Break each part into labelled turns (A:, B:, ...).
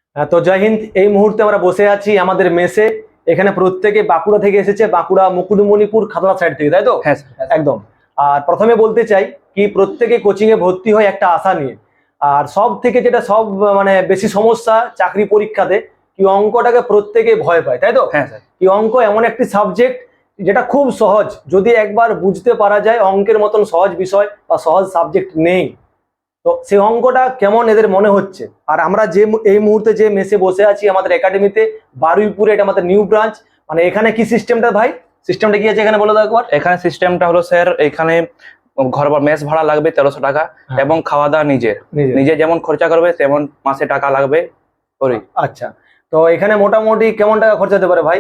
A: তো জয় হিন্দ। এই মুহূর্তে আমরা বসে আছি আমাদের মেসে। এখানে প্রত্যেকে বাঁকুড়া থেকে এসেছে, বাঁকুড়া মুকুটমণিপুর খাতড়া সাইড থেকে, তাই তো?
B: হ্যাঁ স্যার।
A: একদম। আর প্রথমে বলতে চাই কি প্রত্যেকে কোচিং এ ভর্তি হয় একটা আশা নিয়ে। আর সব থেকে যেটা সব মানে বেশি সমস্যা চাকরি পরীক্ষাতে কি অঙ্কটাকে প্রত্যেকে ভয় পায়, তাই তো?
B: হ্যাঁ স্যার।
A: কি অঙ্ক এমন একটি সাবজেক্ট যেটা খুব সহজ, যদি একবার বুঝতে পারা যায় অঙ্কের মতন সহজ বিষয় বা সহজ সাবজেক্ট নেই। তো সেই অঙ্কটা কেমন এদের মনে হচ্ছে। আর আমরা যে এই মুহূর্তে যে মেসে বসে আছি আমাদের একাডেমিতে বারুইপুরে, এটা আমাদের নিউ ব্রাঞ্চ। মানে এখানে কি সিস্টেমটা ভাই, সিস্টেমটা কি আছে এখানে বলে দাও একবার।
B: এখানে সিস্টেমটা হলো স্যার, এখানে ঘর বা মেস ভাড়া লাগবে 1300 টাকা এবং খাওয়া দাওয়া নিজে নিজে যেমন খরচা করবে তেমন মাসে টাকা লাগবে ওরই।
A: আচ্ছা, তো এখানে মোটামুটি কেমন টাকা খরচা হতে পারে ভাই?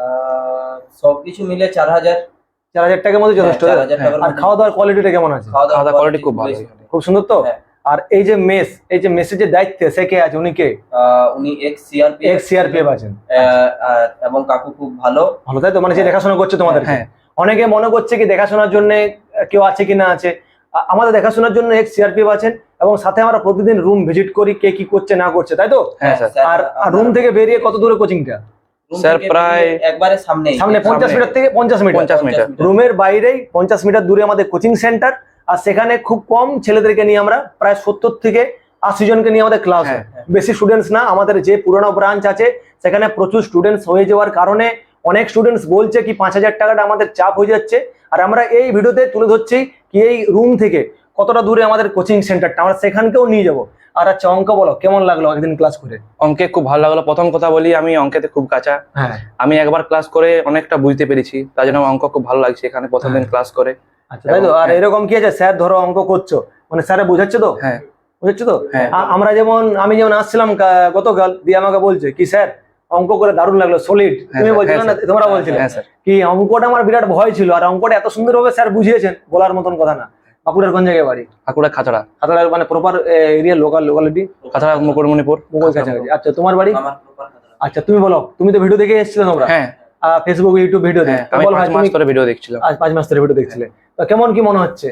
C: সবকিছু মিলে 4000।
A: 4000 টাকার মধ্যে যথেষ্ট।
C: 4000 টাকার
A: আর খাওয়া দাওয়ার কোয়ালিটিটা কেমন আছে?
C: খাওয়া
B: খাওয়া দাওয়া কোয়ালিটি খুব ভালো,
A: খুব সুন্দর তো।
C: হ্যাঁ।
A: আর এই যে মেস, এই যে মেসের যে দায়িত্বে সে কে আছে, উনি কে?
C: উনি এক্স সিআরপিএফ
A: আছেন।
C: এবং কাকু খুব ভালো
A: ভালো, তাই তো? মানে যে দেখাশোনা করছে তোমাদের।
B: হ্যাঁ।
A: অনেকে মনে করছে কি দেখাশোনার জন্য কেউ আছে কি না আছে। আমাদের দেখাশোনার জন্য এক্স সিআরপিএফ আছেন এবং সাথে আমরা প্রতিদিন রুম ভিজিট করি কে কি করছে না করছে, তাই তো?
B: হ্যাঁ স্যার।
A: আর রুম থেকে বেরিয়ে কত দূরে কোচিংটা?
B: স্যার প্রায়
C: একবারে সামনে
A: 50 মিটার থেকে 50 মিটার।
B: 50 মিটার।
A: রুমের বাইরেই 50 মিটার দূরে আমাদের কোচিং সেন্টার। আর সেখানে খুব কম ছেলেদেরকে নিয়ে আমরা প্রায় 70 থেকে 80 জনকে নিয়ে আমাদের ক্লাস হয়। বেশি স্টুডেন্টস না, আমাদের যে পুরোনো ব্রাঞ্চ আছে সেখানে প্রচুর স্টুডেন্টস হয়ে যাওয়ার কারণে অনেক স্টুডেন্টস বলছে কি 5000 টাকাটা আমাদের চাপ হয়ে যাচ্ছে। আর আমরা এই ভিডিওতে তুলে ধরছি কি এই রুম থেকে কতটা দূরে আমাদের কোচিং সেন্টারটা, আমরা সেখানকেও নিয়ে যাবো। আর আচ্ছা, অঙ্ক বলো কেমন লাগলো একদিন ক্লাস করে?
B: অঙ্কে খুব ভালো লাগলো। প্রথম কথা বলি, আমি অঙ্কেতে খুব কাঁচা।
A: হ্যাঁ।
B: আমি একবার ক্লাস করে অনেকটা বুঝতে পেরেছি, তার জন্য অঙ্ক খুব ভালো লাগছে এখানে প্রথম দিন ক্লাস করে।
A: আচ্ছা, তাই তো? আর এরকম কি আছে, স্যার ধরো অঙ্ক করছো মানে স্যারে বোঝাচ্ছে তো?
B: হ্যাঁ।
A: বুঝছো তো?
B: হ্যাঁ।
A: আমি যেমন আসছিলাম গতকাল দিয়ে আমাকে বলছে কি স্যার অঙ্ক করে দারুণ লাগলো, সলিড। তুমি বলছিলে না, তোমরা বলছিলে কি অঙ্কটা আমার বিরাট ভয় ছিল, আর অঙ্কটা এত সুন্দরভাবে স্যার বুঝিয়েছেন, বলার মতন কথা না। বাঁকুড়ার কোন জায়গায় বাড়ি?
B: বাঁকুড়া খাতড়া।
A: খাতড়ার মানে proper area, locality
B: Khatra Mukutmanipur.
A: মুকুল কাছাকাছি। আচ্ছা, তোমার বাড়ি?
C: আমার প্রপার খাতড়া।
A: আচ্ছা, তুমি বলো, তুমি তো ভিডিও দেখে এসেছিলে তোমরা?
B: হ্যাঁ।
A: ফেসবুক ইউটিউব ভিডিও দেখে।
B: আমি 5 মাস ধরে ভিডিও দেখছিলাম।
A: আজ 5 মাস ধরে ভিডিও দেখছিলে, তো কেমন কি মনে হচ্ছে?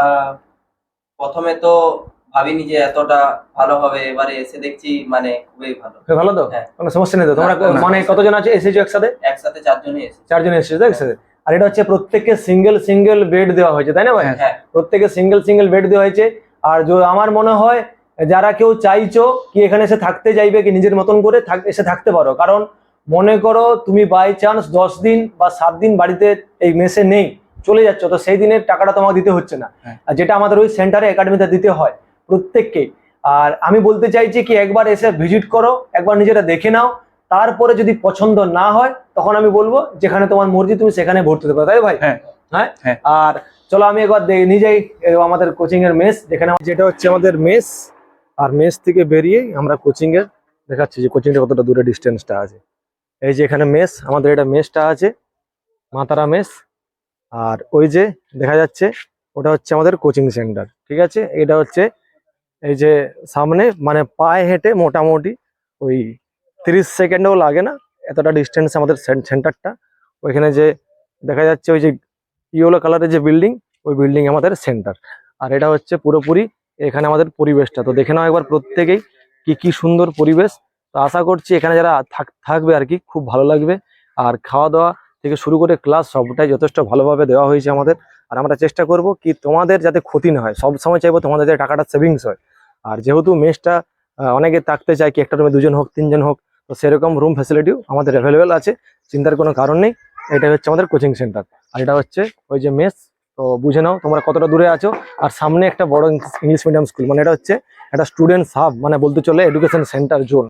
C: প্রথমে তো ভাবিনি যে এতটা ভালো হবে, এবারে এসে দেখছি মানে খুবই ভালো।
A: ভালো তো?
C: হ্যাঁ।
A: কোনো সমস্যা নেই তো? তোমরা
C: না।
A: মানে কতজন আছে এসেছো একসাথে?
C: একসাথে 4 জনই এসেছে।
A: 4 জন এসেছো একসাথে। আর এটা হচ্ছে প্রত্যেককে সিঙ্গেল বেড দেওয়া হয়েছে, তাই না ভাই?
C: হ্যাঁ।
A: প্রত্যেকে সিঙ্গেল বেড দেওয়া হয়েছে। আর আমার মনে হয় যারা কেউ চাইছো কি এখানে এসে থাকতে চাইবে কি নিজের মতন করে এসে থাকতে পারো। কারণ মনে করো তুমি বাই চান্স 10 দিন বা 7 দিন বাড়িতে এই মেসে নেই, চলে যাচ্ছ, তো সেই দিনের টাকাটা তোমাকে দিতে হচ্ছে না। আর যেটা আমাদের ওই সেন্টারে একাডেমিতে দিতে হয় প্রত্যেককে। আর আমি বলতে চাইছি কি একবার এসে ভিজিট করো, একবার নিজেরা দেখে নাও, তারপরে যদি পছন্দ না হয় তখন আমি বলবো যেখানে তোমার মর্জি তুমি সেখানে ভর্তি হতে পারো, তাই ভাই?
B: হ্যাঁ।
A: হ্যাঁ। আর চলো আমি একবার নিজেই আমাদের কোচিং এর মেস যেখানে, যেটা হচ্ছে আমাদের মেস। আর মেস থেকে বেরিয়ে আমরা কোচিং এর দেখাচ্ছি যে কোচিংটা কতটা দূরে ডিস্টেন্সটা আছে। এই যে এখানে মেস, আমাদের এটা মেসটা আছে মাতারা মেস। আর ওই যে দেখা যাচ্ছে ওটা হচ্ছে আমাদের কোচিং সেন্টার, ঠিক আছে? এটা হচ্ছে এই যে সামনে, মানে পায়ে হেঁটে মোটামুটি ওই 30 সেকেন্ডও লাগে না, এতটা ডিস্টেন্স আমাদের সেন্টারটা। ওইখানে যে দেখা যাচ্ছে ওই যে ইয়েলো কালারের যে বিল্ডিং, ওই বিল্ডিং আমাদের সেন্টার। আর এটা হচ্ছে পুরোপুরি এখানে আমাদের পরিবেশটা, তো দেখে নাও একবার প্রত্যেকেই কি সুন্দর পরিবেশ। তো আশা করছি এখানে যারা থাকবে আর কি খুব ভালো লাগবে। আর খাওয়া দাওয়া থেকে শুরু করে ক্লাস সবটাই যথেষ্ট ভালোভাবে দেওয়া হয়েছে আমাদের। আর আমরা চেষ্টা করব কি তোমাদের যাতে ক্ষতি না হয়, সব সময় চাইবো তোমাদের যাতে টাকাটা সেভিংস হয়। আর যেহেতু মেসটা অনেকে থাকতে চায় কি একটা রুমে 2 জন হোক 3 জন হোক, তো সেরকম রুম ফ্যাসিলিটিও আমাদের অ্যাভেলেবেল আছে, চিন্তার কোনো কারণ নেই। এটা হচ্ছে আমাদের কোচিং সেন্টার আর এটা হচ্ছে ওই যে মেস। তো বুঝে নাও তোমরা কতটা দূরে আছো। আর সামনে একটা বড় ইংলিশ মিডিয়াম স্কুল, মানে এটা হচ্ছে একটা স্টুডেন্টস হাব, মানে বলতে চলে এডুকেশন সেন্টার জোন।